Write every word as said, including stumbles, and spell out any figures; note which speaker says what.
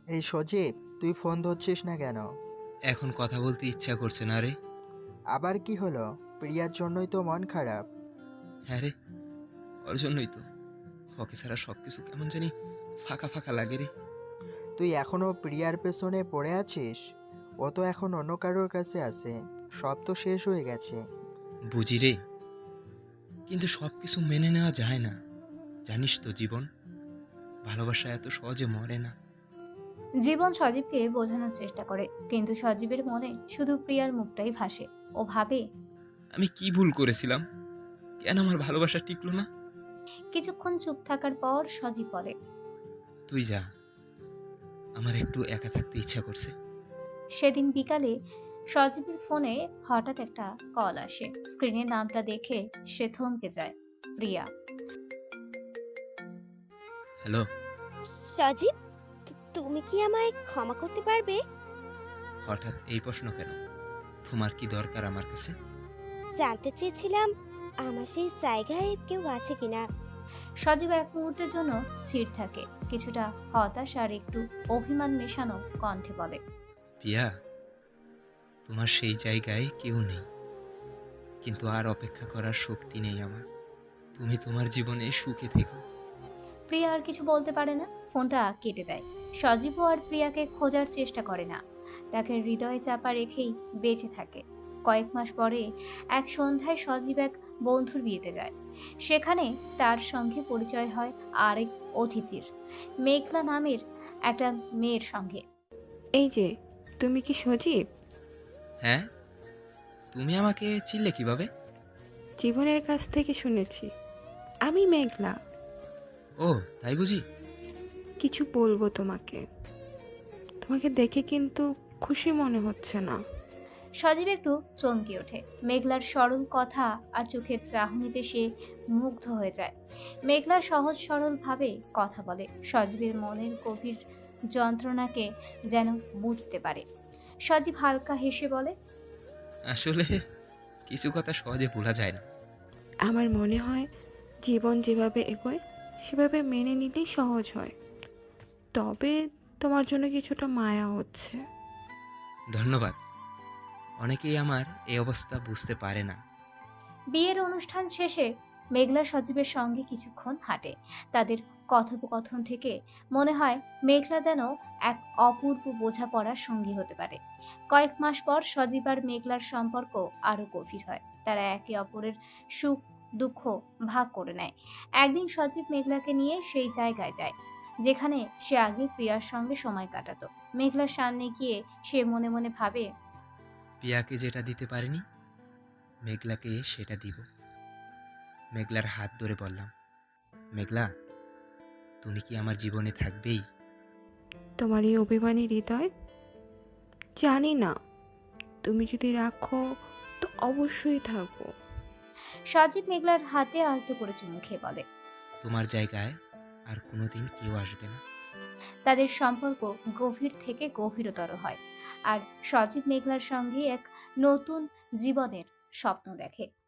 Speaker 1: এই সজীব, তুই ফোন ধরছিস না কেন?
Speaker 2: এখন কথা বলতে ইচ্ছা করছে না রে।
Speaker 1: আবার কি হলো? প্রিয়ার জন্যই তো মন খারাপ।
Speaker 2: হ্যাঁ রে, ওর জন্যই তো। ওকে ছাড়া সব কিছু কেমন জানি ফাঁকা ফাঁকা লাগে রে।
Speaker 1: তুই এখনো প্রিয়ার পেছনে পড়ে আছিস? ও তো এখন অন্য কারোর কাছে আছে। সব তো শেষ হয়ে গেছে।
Speaker 2: বুঝি রে, কিন্তু সব কিছু মেনে নেওয়া যায় না। জানিস তো জীবন, ভালোবাসা এত সহজে মরে না।
Speaker 3: জীবন সজীবকে বোঝানোর চেষ্টা করে, কিন্তু সজীবের মনে শুধু প্রিয়ার মুখটাই ভাসে। ও ভাবে,
Speaker 2: আমি কি ভুল করেছিলাম? কেন আমার ভালোবাসা টিকলো না?
Speaker 3: কিছুক্ষণ চুপ থাকার পর সজীব বলে,
Speaker 2: তুই যা, আমার একটু একা থাকতে ইচ্ছা করছে।
Speaker 3: সেদিন বিকালে সজীবের ফোনে হঠাৎ একটা কল আসে। স্ক্রিনের নামটা দেখে সে থমকে যায়। প্রিয়া।
Speaker 2: হ্যালো।
Speaker 4: সজীব, তু- তুমি কি আমায় ক্ষমা করতে পারবে?
Speaker 2: হঠাৎ এই প্রশ্ন কেন? তোমার কি দরকার আমার কাছে?
Speaker 4: জানতে চেয়েছিলাম আমার সেই জায়গায় কেউ আছে কিনা।
Speaker 3: সজীব এক মুহূর্তের জন্য স্থির থাকে, কিছুটা হতাশ আর একটু অভিমান মেশানো কণ্ঠে বলে,
Speaker 2: পিয়া, তোমার সেই জায়গায় কেউ নেই, কিন্তু আর অপেক্ষা করার শক্তি নেই আমার। তুমি তোমার জীবনে সুখে থেকো।
Speaker 3: প্রিয়া আর কিছু বলতে পারে না, ফোনটা কেটে দেয়। সজীবও আর প্রিয়াকে খোঁজার চেষ্টা করে না, তাকে হৃদয়ে চাপা রেখেই বেঁচে থাকে। কয়েক মাস পরে এক সন্ধ্যায় সজীব এক বন্ধুর বিয়েতে যায়। সেখানে তার সঙ্গে পরিচয় হয় আরেক অতিথির, মেঘলা নামের একটা মেয়ের সঙ্গে।
Speaker 5: এই যে, তুমি কি সজীব?
Speaker 2: হ্যাঁ, তুমি আমাকে চিনলে কিভাবে?
Speaker 5: জীবনের কাছ থেকে শুনেছি। আমি মেঘলা।
Speaker 2: ও, তাই বুঝি।
Speaker 5: কিছু বলবো তোমাকে। তোমাকে দেখে কিন্তু খুশি মনে হচ্ছে না।
Speaker 3: সজীব একটু চমকে ওঠে। মেঘলার সরল কথা আর চোখের চাহনিতে সে মুগ্ধ হয়ে যায়। মেঘলা সহজ সরল ভাবে কথা বলে, সজীবের মনের গভীর যন্ত্রণাকে যেন বুঝতে পারে। সজীব হালকা হেসে বলে,
Speaker 2: আসলে কিছু কথা সহজে ভোলা যায় না।
Speaker 5: আমার মনে হয় জীবন যেভাবে এগোয় সেভাবে মেনে নিলেই সহজ হয়। তবে তোমার জন্য কিছুটা মায়া হচ্ছে।
Speaker 2: ধন্যবাদ। অনেকেই আমার এই অবস্থা বুঝতে পারে না।
Speaker 3: বিয়ের অনুষ্ঠান শেষে মেঘলা সজীবের সঙ্গে কিছুক্ষণ হাঁটে। তাদের কথোপকথন থেকে মনে হয় মেঘলা যেন এক অপূর্ব বোঝাপড়ার সঙ্গী হতে পারে। কয়েক মাস পর সজীব আর মেঘলার সম্পর্ক আরো গভীর হয়। তারা একে অপরের সুখ দুঃখ ভাগ করে নেয়। একদিন সজীব মেঘলাকে নিয়ে সেই জায়গায় যায় যেখানে সে আগে প্রিয়ার সঙ্গে সময় কাটাতো। মেঘলার সামনে গিয়ে সে মনে মনে ভাবে,
Speaker 2: পিয়াকে যেটা দিতে পারিনি, মেঘলাকে সেটা দিব। মেঘলার হাত ধরে বললাম, মেঘলা, তুমি কি আমার জীবনে থাকবেই?
Speaker 5: তোমার এই অভিমানী হৃদয়, জানি না। তুমি যদি রাখো তো অবশ্যই থাকবো।
Speaker 3: সজীব মেঘলার হাতে আলতো করে চুমু খেয়ে বলে,
Speaker 2: তোমার জায়গায় আর কোনোদিন কেউ আসবে না।
Speaker 3: তাদের সম্পর্ক গভীর থেকে গভীরতর হয়। আর সজীব মেঘলার সঙ্গে এক নতুন জীবনের স্বপ্ন দেখে।